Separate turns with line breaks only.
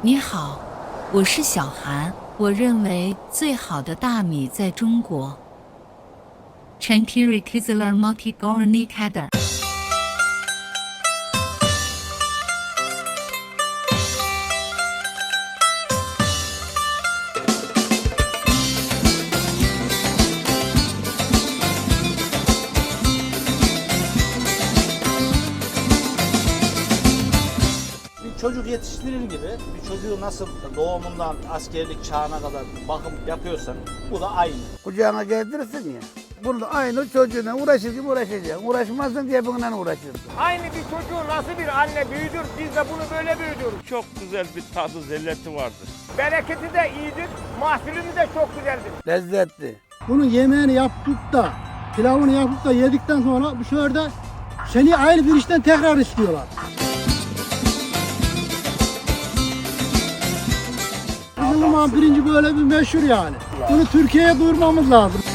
你好，我是小韩。我认为最好的大米在中国。Chankiri Kizlar Multi Gorni Kadar。
Çocuk yetiştirir gibi bir çocuğu nasıl doğumundan askerlik çağına kadar bakım yapıyorsan bu da aynı.
Kucağına geldirirsin ya. Bunu aynı çocuğuna uğraşır gibi uğraşacaksın. Uğraşmazsın diye bununla uğraşırsın.
Aynı bir çocuğu nasıl bir anne büyüdür, biz de bunu böyle büyüdürüz.
Çok güzel bir tadı, lezzeti vardır.
Bereketi de iyidir, mahsulümüz de çok güzeldir.
Lezzetli.
Bunun yemeğini yapıp da, pilavını yapıp da yedikten sonra bu sefer de seni ayrı bir işten tekrar istiyorlar. Bizim zaman pirinci böyle bir meşhur yani. Bunu Türkiye'ye duyurmamız lazım.